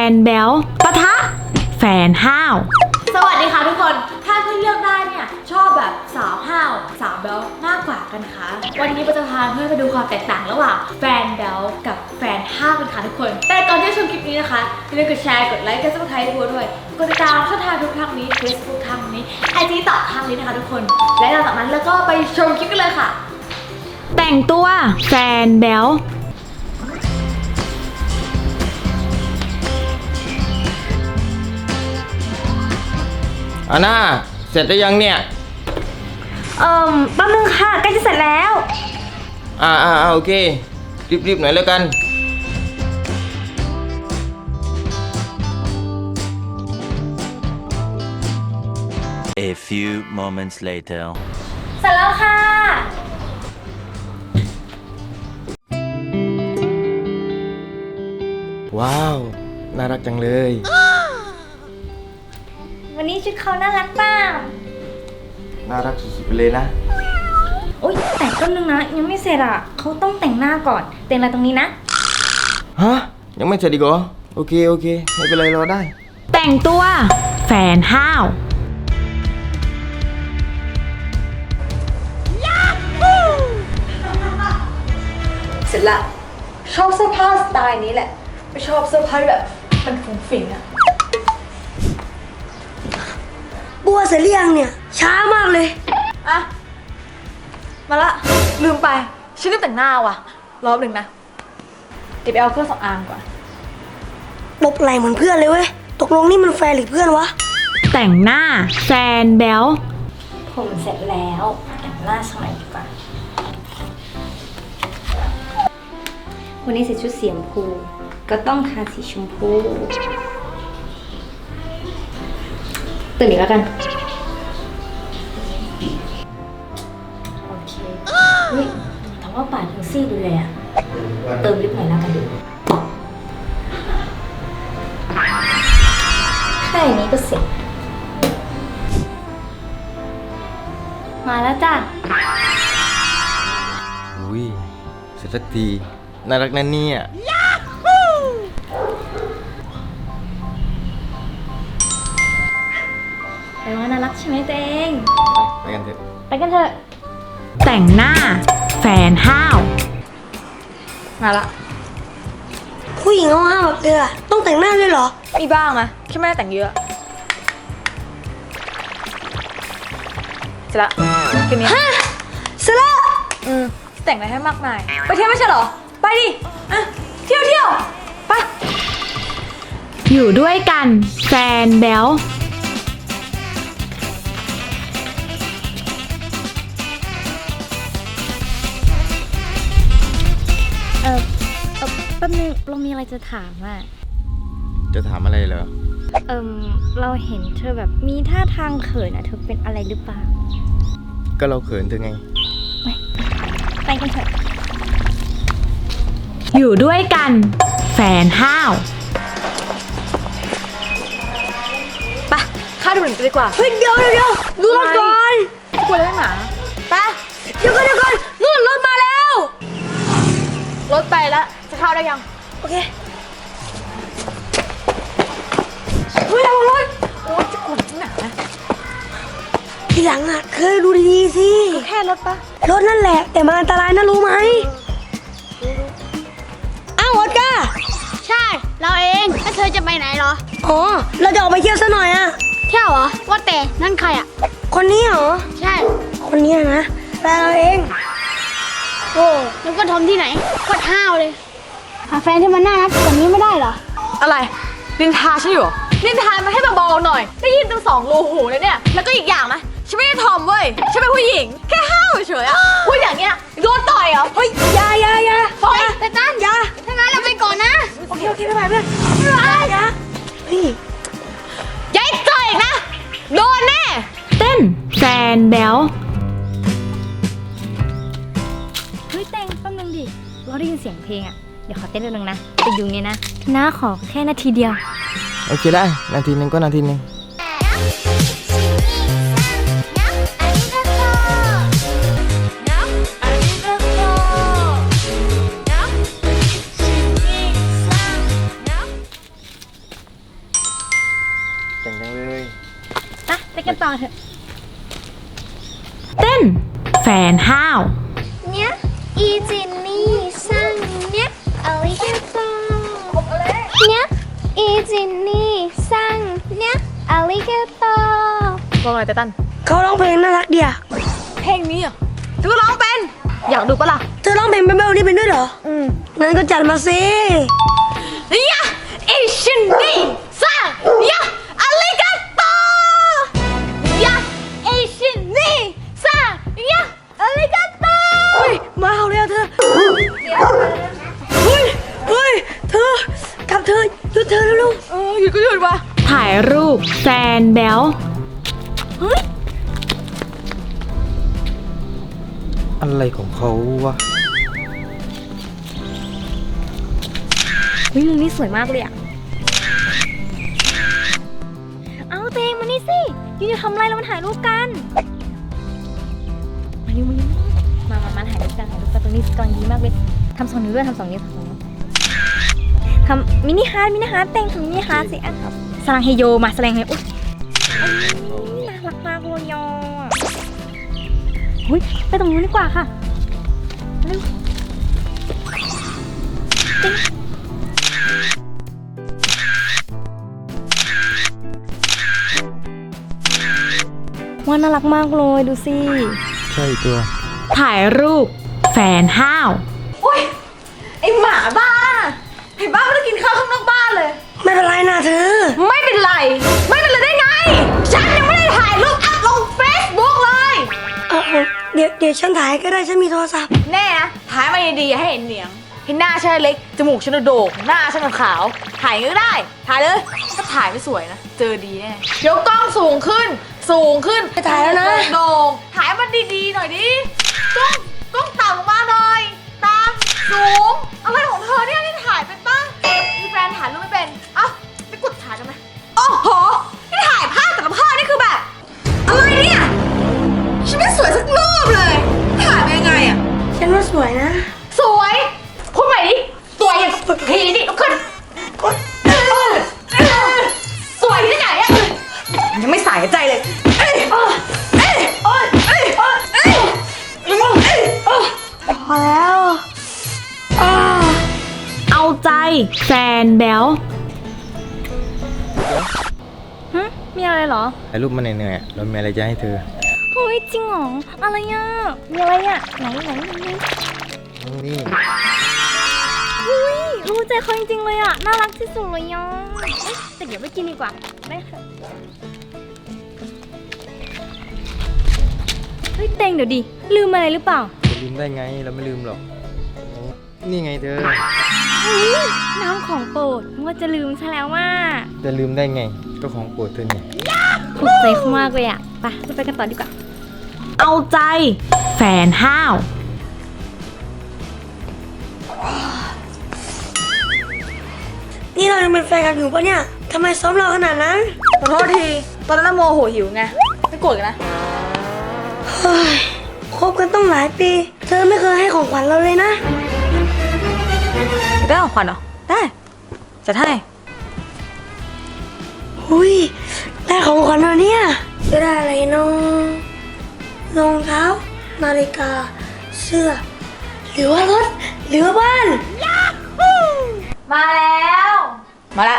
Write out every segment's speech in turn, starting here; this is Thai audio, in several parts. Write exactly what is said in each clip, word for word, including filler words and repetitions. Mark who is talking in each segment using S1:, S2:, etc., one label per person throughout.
S1: นแบ๊วปะทะแฟนห้าว
S2: สวัสดีค่ะทุกคนถ้าเพื่อนเลือกได้เนี่ยชอบแบบสาวห้าวสาวแบ๊วมากกว่ากันคะวันนี้เราจะพาเพื่อนไปดูความแตกต่างระหว่างแฟนแบ๊วกับแฟนห้าวกันค่ะทุกคนแต่ก่อนที่จะชมคลิปนี้นะคะอย่าลืมกดแชร์กดไลค์กดซับสไครต์บัวด้วยกดติดตามช่องทางทุกทางนี้ Facebook ทางนี้ ไอ จี ต่อทางนี้นะคะทุกคนและหลังจากนั้นแล้วก็ไปชมคลิปกันเลยค่ะ
S1: แต่งตัวแฟนแบ๊ว
S3: อาน่าเสร็จหรือยังเนี่ย
S1: เอ่อแป๊บนึงค่ะใกล้จะเสร็จแล้ว
S3: อ่าอ่าโอเครีบๆหน่อยแล้วกัน
S4: A few moments later
S1: เสร็จแล้วค่ะ
S3: ว้าวน่ารักจังเลย
S1: วันนี้ชุดเขาน่ารักเปล่า
S3: น่ารักสุดๆไปเลยนะ
S1: โอ๊ยแต่ก็นึงนะยังไม่เสร็จอ่ะเขาต้องแต่งหน้าก่อนแต่งอะไรตรงนี้นะ
S3: ฮะยังไม่เสร็จอีกเหรอโอเคโอเคไม่เป็นไรรอได้
S1: แต่งตัวแฟนห้าว
S2: เสร็จละชอบเสื้อผ้าสไตล์นี้แหละไม่ชอบเสื้อผ้าแบบมันฟุ้งฟิ้งอะ
S5: บัวเสร็จหรือยังเนี่ยช้ามากเลย
S2: อะมาละลืมไปฉันลืมแต่งหน้าว่ะรอบหนึ่งนะเดี๋ยวไปเอาเครื่องสำอางก่อน
S5: ตบไหลเหมือนเพื่อนเลยเว้ยตกลงนี่มันแฟนหรือเพื่อนวะ
S1: แต่งหน้าแฟนแบ๊ว
S5: ผมเสร็จแล้วแต่งหน้าสมัยดีกว่าวันนี้ใส่ชุดสีชมพูก็ต้องทาสีชมพูตื่นอีกแล้วกันโอเคเฮ้ยถามว่าปาดถึงซี่ดูเลยอะเติมลิปหน่อยแล้วกันแค่นี้ก็เสร็จมาแล้วจ้ะ
S3: อุ้ยเสร็จสักทีน่ารักนั่นเนี่ย
S5: ไปว่าน่ารักใช่ไหมตัวเอง
S3: ไปกันเถอะ
S5: ไปกันเถอะ
S1: แต่งหน้าแฟนห้าว
S2: มาละ
S5: ผู้หญิงเอาห้ามแบบเธอต้องแต่งหน้าด้วยเหรอ
S2: มีบ้างนะแค่ไม่ได้แต่งเยอะเสร็จละคืนนี้
S5: ฮะเสร็จแล้ว
S2: อืมแต่งอะไรให้มากมายไปเที่ยวไม่ใช่เหรอไปดิอ่ะเที่ยวเที่ยวไป
S1: อยู่ด้วยกันแฟนแบ๊ว
S5: เออเออแป๊บนึงเรามีอะไรจะถามอ่ะ
S3: จะถามอะไรเหรอ
S5: เออเราเห็นเธอแบบมีท่าทางเขินอ่ะเธอเป็นอะไรหรือเปล่า
S3: ก็เราเขินเธอไง
S5: ไปไปกันเถอะ
S1: อยู่ด้วยกันแฟนห้าว
S2: ไปข้าดูหนังกันดีกว่า
S5: เฮ้ยเดี๋ยวเดี๋ยวเดี๋ยวดูรถก่อน
S2: กลัวเรื่องหมาไป
S5: เดี๋ยวก่อนเดี๋ยวก่อนนู่นรถมาแล้ว
S2: รถไปแล้วจะเข้าได้ยัง
S5: โอเค
S2: เฮ้ยระวังรถโอ้ยจะกลัวจริงหนา
S5: ทีหลังอ่ะเคยดูดีๆสิ
S2: แค่รถปะ
S5: รถนั่นแหละแต่มันอันตรายนะรู้ไหมอ้าวออสการ์
S6: ใช่เราเองแล้วเธอจะไปไหนเหรอ
S5: อ๋อเราจะออกไปเที่ยวซะหน่อยอะ
S6: เที่ยวเหรอว่าแต่นั่นใครอ่ะ
S5: คนนี้เหรอ
S6: ใช่
S5: คนนี้นะแฟนเราเอง
S6: โอ้แล้วก็ทอมที่ไหนโคตรห้าวเลยหาแฟนที่มันน่ารักกว่านี้ไม่ได้เหรอ
S2: อะไรนินทาฉันอยู่นินทามันให้เบาๆหน่อยได้ยินตั้งสองรูหูเลยเนี่ยแล้วก็อีกอย่างนะฉันไม่ได้ทอมเว้ยฉันเป็นผู้หญิงแค่ห้าวเฉยๆอะพูดอย่างเงี้ยโดนต่อยเหรอเฮ้ย
S5: ยายายา
S2: ปล่อย
S6: แต่ตั้น
S5: ยา
S6: ถ้างั้นเราไปก่อนนะ
S5: โอเคโอเคไม่ไปเพื่อนไม่ไปยาเฮ้ย
S2: อย่าให้เจออีกนะโดนแน่
S1: เต้นแฟนแบ๊ว
S5: เฮ้ยแต่งแป๊บนึงดิเราได้ยินเสียงเพลงอ่ะเดี๋ยวขอเต้นนิดนึงนะไปอยู่ไงนะน้าขอแค่นาทีเดียว
S3: โอเคได้นาทีนึงก็นาทีนึงแต่งจังเลย
S5: ไปไปกันต่อเถอะ
S2: เต้น แฟนห้าว
S6: เนี้ยอีจินนี่สั่งเนี้ยอลิเกโตเนี้ยอีจินนี่สั่งเนี้ยอลิเกโต
S2: ว่าไงไตตัน
S7: เขาร้องเพลงน่ารักเดีย
S2: เพลงนี้อ่ะเธอก็ร้องเป็น อยากดูปะล่ะ
S7: เธอร้องเพลงเบลๆนี่เป็นด้วยเหรอ อืมงั้นก็จัดมาสิ
S2: ยะเอชินนี่ซ่ายะอาริกาโตยะเอชินนี่ซ่ายะอาริกาโต
S7: เฮ้ย มาเอาเลยอะเธอ เฮ้ย เฮ้ย เธอ กลับเธอหยุดเธอแล้วลูก
S2: เออหยุดก็หยุดวะถ่ายรูปแฟนแบล
S3: อะไรของเขาวะ
S5: เฮ้ยมุมนี้สวยมากเลยอะเอาเตงมานี่สิยูจะทำอะไรเรามาถ่ายรูปกันมานี่มานี่มามามาถ่ายรูปกันถ่ายรูปกันตรงนี้กำลังดีมากเลยทำสองนิ้วด้วยทำสองนิ้วทำสองนิ้วทำมินิฮาร์ดมินิฮาร์ดเตงทำมินิฮาร์ดสิอ่ะครับสลังเฮโยมาสลังเฮโยอุ๊ยน่ารักมากเลยอ่ะเฮ้ยไปตรงนู้นดีกว่าค่ะเร็วเตงว่าน่ารักมากเลยดูสิ
S3: ใช่ตัว
S2: ถ่ายรูปแฟนห้าวโอ้ยไอหมาบ้าไอบ้าไม่ได้กินข้าวข้างนอกบ้านเลย
S7: ไม่เป็นไรนะเธอ
S2: ไม่เป็นไร ไม่เป็นไรได้ไง ฉันยังไม่ได้ถ่ายรูปอัพลงเฟซบุ๊กเลย
S7: เออเดี๋ยวเดี๋ยวฉันถ่ายก็ได้ฉันมีโทรศัพท์
S2: แน่นะถ่ายมาดีๆให้เห็นเหนียงเห็นหน้าฉันเล็ก จมูกฉันโด่งหน้าฉันขาวถ่ายก็ได้ ถ่ายเลย ถ้าถ่ายไม่สวยนะ เจอดีแน่เดี๋ยวกล้องสูงขึ้น สูงขึ้น
S7: ไปถ่ายแล้วนะ
S2: โด่งถ่ายมันดีๆหน่อยดิกล้องกล้องต่ำลงมาหน่อยตามสูงอะไรของเธอเนี่ยนี่ถ่ายเป็นป้ามีแฟนถ่ายรูปไม่เป็นเอ้าไปกดถ่ายกันไหมโอ้โหนี่ถ่ายภาพแต่ละภาพนี่คือแบบอะไรเนี่ยฉันไม่สวยสักรูปเลยถ่ายไปยังไงอะ
S7: ฉันว่าสวยนะ
S2: สวยพูดใหม่ดิสวยอย่างทีนี่ลุกขึ้นสวยที่ไหนอะยังไม่สายใจเลยเอ้ยเอ้ยเอ้ยเอ้ยเอ้ยเอ้ยเอ้ยเอ้ย
S7: พอแล้วอ้า
S2: เอาใจแฟนแบล
S5: ฮะมีอะไรเหรอ
S3: ถ่ายรูปมาเหนื่อยๆอะเรามีอะไรจะให้เธอ
S5: เฮ้ยจริงเหรออะไรอ่ะมีอะไรอ่ะไหนไหนไหน
S3: นี่
S5: เฮ้ยรู้ใจเขาจริงๆเลยอ่ะน่ารักที่สุดเลยอ่ะเอ๊ะแต่เดี๋ยวไปกินดีกว่าได้ค่ะเฮ้ยเต็งเดี๋ยวดิลืมอะไรหรือเปล่า
S3: จะลืมได้ไง เราไม่ลืมหรอก นี่ไงเธอ
S5: เฮ้ยน้ำของโปรดว่าจะลืมซะแล้วว่า
S3: จะลืมได้ไง ก็ของโปรดเธอไง
S5: ถูกใจเขามากเลยอ่ะไปเราไปกันต่อดีกว่า
S2: เอาใจแฟนห้าว
S7: นี่เรายังเป็นแฟนกันอยู่ปะเนี่ยทำไมซ้อมเราขนาดนั้น
S2: ขอโทษที ตอนนั้นโมโหหิวไง ไม่โกรธกันนะ
S7: เฮ้ยคบกันต้องหลายปี เธอไม่เคยให้ของขวัญเราเลยนะ
S2: ได้ของขวัญเหรอ ได้จะให้
S7: หุยได้ของขวัญมาเนี่ยจะได้อะไรน้องรองเท้า นาฬิกา เสื้อ หรือว่ารถ หรือว่าบ้าน
S2: มาแล้ว มาละ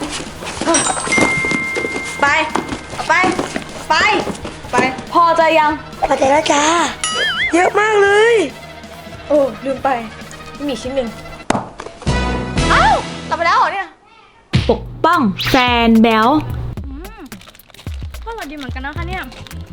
S2: ไป ไป ไป ไป พอใจยัง
S7: พอใจแล้วจ้า เยอะมากเลย
S2: โอ้ลืมไป มีชิ้นหนึ่งเอ้าหลับไปแล้วเหรอเนี่ย ปกป้องแฟนแบล
S5: อืมก็อร่อยดีเหมือนกันนะคะเนี่ย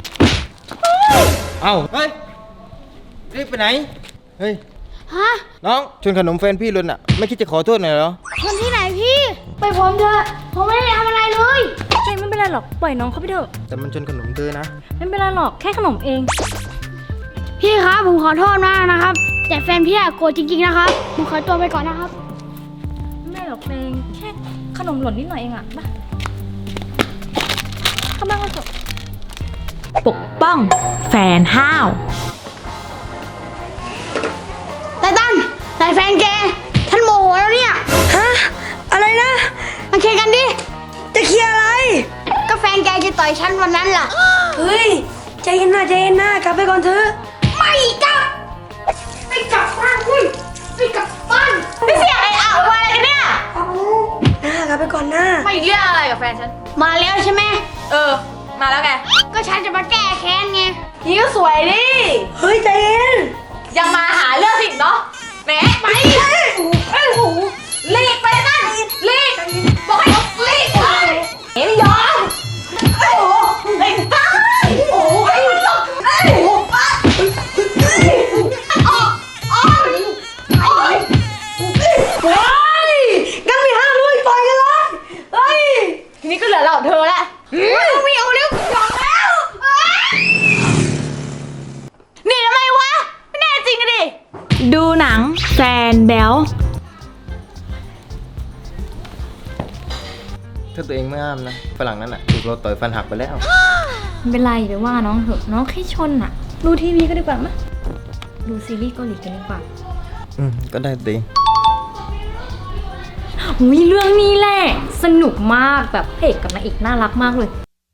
S3: เอ้า เฮ้ย รีบไปไหน เฮ้ย
S6: ฮะ
S3: น้องชวนขนมแฟนพี่หล่นอ่ะ ไม่คิดจะขอโทษหน่อยเหรอ
S6: คนที่ไหนพี่ ไปผมเถอะ ผมไม่ได้ทำอะไรเลย
S5: เต็งไม่เป็นไรหรอกปล่อยน้องเขาไปเถอะ
S3: แต่มันชวนขนมเธอนะ
S5: ไม่เป็นไรหรอกแค่ขนมเอง
S6: พี่ครับผมขอโทษมากนะครับ แต่แฟนพี่อะโกรธจริงๆนะครับ ผมขอตัวไปก่อนนะครับ
S5: ไม่หรอกเองแค่ขนมหล่นนิดหน่อยเองอะมาเข้าบ้านกันเถอะ
S2: ปกป้องแฟนห้าว
S6: ไตตันไตแฟนแกท่านโมโหแล้วเนี่ย
S7: ฮะ อะไรนะ
S6: มาเคลียร์กันดิ
S7: จะเคลียร์อะไร
S6: กต่อยฉันวันนั้นล่ะ
S7: เฮ้ย ใจเย็นนะใจเย็นนะกลับไปก่อนเถอะ
S6: ไม่กลับไม่กลับบ้านเว้ยไม่กลับบ้าน
S2: นี่เสียงไอ้อ่าวมาอะไรกันเนี่ย
S7: หน้ากลับไปก่อนนะ
S2: มาอีกเรื่องอะไรกับแฟนฉัน
S6: มาแล้วใช่ไหม
S2: เออ มาแล้วไง
S6: ก็ฉันจะมาแก้แค้นไง
S2: นี่ก็สวยดิ
S7: เฮ้ยใจเย็น
S2: ยังมาหาเรื่องสิเนาะแหมไปเอ้ยโอ้โหรีบไปนั่นรีบบอกให้รีบไปเอ็มยอมโอ้โหไอ้บ้าโอ้โหไอ้มันต้องไอ้โอ้โหออกออกไอ้
S7: เฮ้ยงั้นไม่ห้ามด้วยต่อยกันเลยเฮ้ย
S2: ทีนี้ก็เหลือเรากับเธอแล้วไม่เอาแล้วยอมแล้วนี่ทำไมวะไม่แน่จริงดิดูหนังแฟนแบล
S3: ถ้าตัวเองไม่ห้ามนะฝรั่งนั้นอ่ะถูกเราต่อยฟันหักไปแล้ว
S5: ไม่เป็นไรเดี๋ยวว่าน้องเถอะน้องแค่ชนอะดูทีวีก็ดีกว่ามะดูซีรีส์เกาหลีกันดีกว่า
S3: อืมก็ได้ตัวเอง
S5: หุยเรื่องนี้แหละสนุกมากแบบพระเอกกับนางเอกน่ารักมากเลย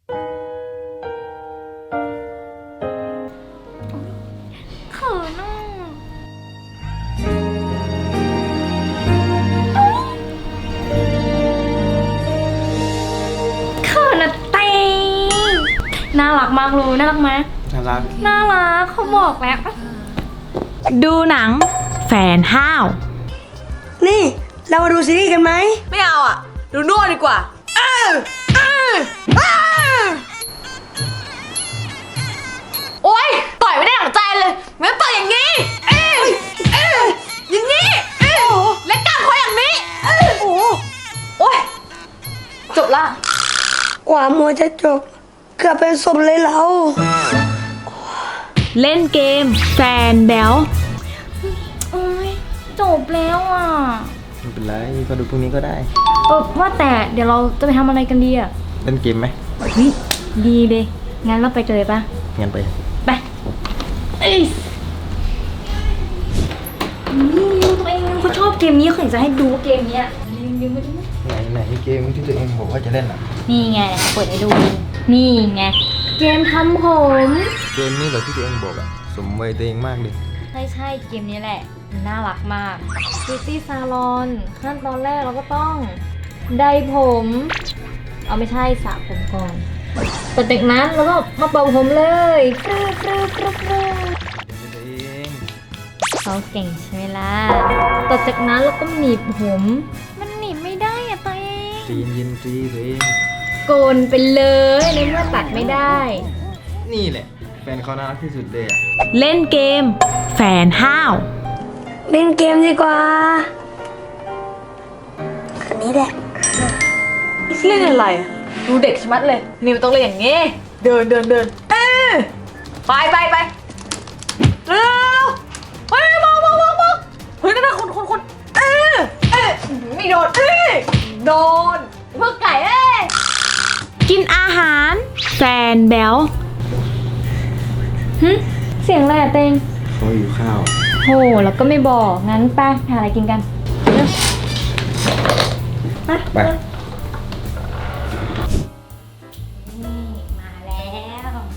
S5: เขินอ่ะเขินอะเต้น่ารักมากเลยน่ารักไหม
S3: น่ารัก
S5: น่ารักเขาบอกแล้ว
S2: ดูหนังแฟนห้าว
S7: นี่เรามาดูซีรีส์กันไหม
S2: ไม่เอาอ่ะ ดูโน่ดีกว่าเออเออเออโอ๊ยต่อยไม่ได้หลังใจเลยงั้นต่อยอย่างนี้เออเอออย่างนี้เออและกล้ามคออย่างนี้เออโอ้โอ๊ยจบละ
S7: กว่ามัวจะจบเกือบเป็นศพเลยเรา
S2: เล่นเกมแฟนแบล
S5: โอ้ยจบแล้วอ่ะ
S3: ไม่เป็นไรก็ดูพรุ่งนี้ก็ได้
S5: เออว่าแต่เดี๋ยวเราจะไปทำอะไรกันดีอ่ะ
S3: เล่นเกมไหม
S5: เฮ้ยดีเลยงั้นเราไปกันเลยปะ
S3: งั้นไป
S5: ไปเอ้ยนี่ตัวเองเขาชอบเกมนี้เขาอยากจะให้ดูเกมเนี้ยลืมๆไปดูนะ
S3: ไหนไหนเกมที่ตัวเองบอกว่าจะเล่นอ่ะ
S5: นี่ไงเปิดให้ดู นี่ไงเกมทำผม
S3: เกมนี้เหรอที่ตัวเองบอกอ่ะสมวัยตัวเองมากเลย
S5: ใช่ใช่เกมนี้แหละน่ารักมาก Beauty Salon ขั้นตอนแรกเราก็ต้องได้ผม เอาไม่ใช่สระผมก่อนแต่จากนั้นเราก็มาเป่าผมเลยฟรึ๊บฟรึ๊บฟรึ๊บฟรึ๊บ
S3: ตัวเอง
S5: เขาเก่งใช่ไหมล่ะต่อจากนั้นเราก็หนีบผม มันหนีบไม่ได้อะตัวเอง
S3: ใจเย็นๆจีตัวเอง
S5: โกนไปเลยในเมื่อตัดไม่ได้
S3: นี่แหละแฟนเขาน่ารักที่สุดเลยอ่ะ
S2: เล่นเกมแฟนห้าว
S7: เล่นเกมดีกว่า อันนี้แหละ
S2: เล่นอะไรอะดูเด็กชะมัดเลยนี่มันต้องเล่นอย่างงี้เดินเดินเดินเออไปไปไปเร็วเฮ้ยมองมองมองมองเฮ้ยนั่นน่ะคนคนคนเออเออไม่โดนเอ้ยโดนพวกไก่เอ้ยกินอาหารแฟนแบล
S5: หึเสียงอะไรอะเตง
S3: เขาอยู่ข้าว
S5: โหแล้วก็ไม่บอก งั้นไปหาอะไรกินกันเร็วไป
S3: ไป
S5: นี่มาแล้ว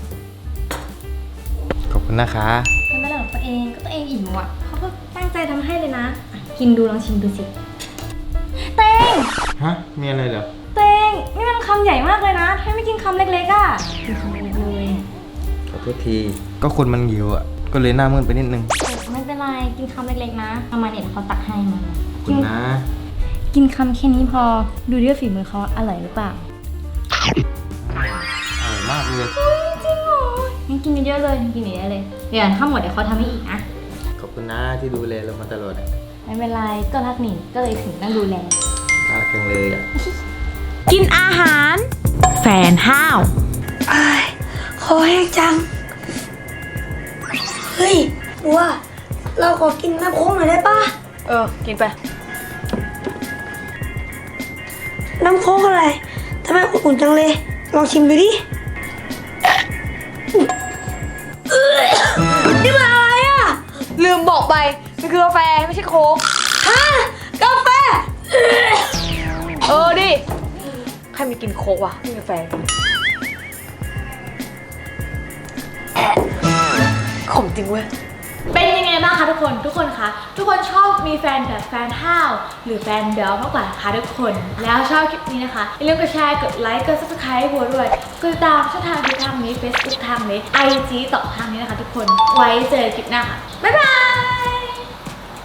S3: ขอบคุณนะคะ
S5: เป็นไม่ได้ของตัวเองก็ตัวเองอิ่มอ่ะเขาก็ตั้งใจทำให้เลยนะอ่ะกินดูลองชิมดูสิเตง
S3: ฮะมีอะไรเหรอ
S5: เตงนี่มันคำใหญ่มากเลยนะทำไมไม่กินคำเล็กๆอ่ะกินคำเล็กๆเลย
S3: ขอโทษที ก็คนมันหิวอ่ะ ก็เลยหน้ามืดไปนิดนึง
S5: ไม่เป็นไรกินคำเล็กๆนะเอามาเนี่ยเดี๋ยวเขาตักให้มา
S3: ขอบคุณนะ
S5: กินคำแค่นี้พอดูด้วยฝีมือเขาอร่อยหรือเปล่า
S3: อร่อยมากเลย
S5: จริงเหรองั้นกินเยอะๆเลยกินเยอะๆเลยเดี๋ยวถ้าหมดเดี๋ยวเขาทำให้อีกนะ
S3: ขอบคุณนะที่ดูแลเรามาตลอดอะ
S5: ไม่เป็นไรก็รักหนิก็เลยถึงต้องดูแล
S3: น่ารักจังเลยอ่ะ
S2: กินอาหารแฟนห้าว
S7: อายคอแห้งจัง เฮ้ยบัวเราขอกินน้ำโค้งหน่อยได้ปะ
S2: เออกินไป
S7: น้ำโค้งอะไรทำไมอุ่นๆจังเลย ลองชิมดูดิเอ้ยนี่มันอะไรอ่ะ
S2: ลืมบอกไปมันคือกาแฟไม่ใช่โค้ก
S7: ฮะกาแฟ
S2: เออดิใครมีกินโค้กวะไม่มีกาแฟ
S7: ขมจริงเว้ย
S2: เป็นยังไงบ้างคะทุกคนทุกคนคะทุกคนชอบมีแฟนแบบแฟนห้าวหรือแฟนเบลมากกว่าคะทุกคนแล้วชอบคลิปนี้นะคะอย่าลืมกดแชร์กดไลค์กด ซับสไครบ์ ให้บัวด้วยกดติดตามช่องทางที่ทางนี้ เฟซบุ๊ก ทางนี้ ไอ จี ต่อทางนี้นะคะทุกคนไว้เจอคลิปหน้าค่ะบ๊ายบาย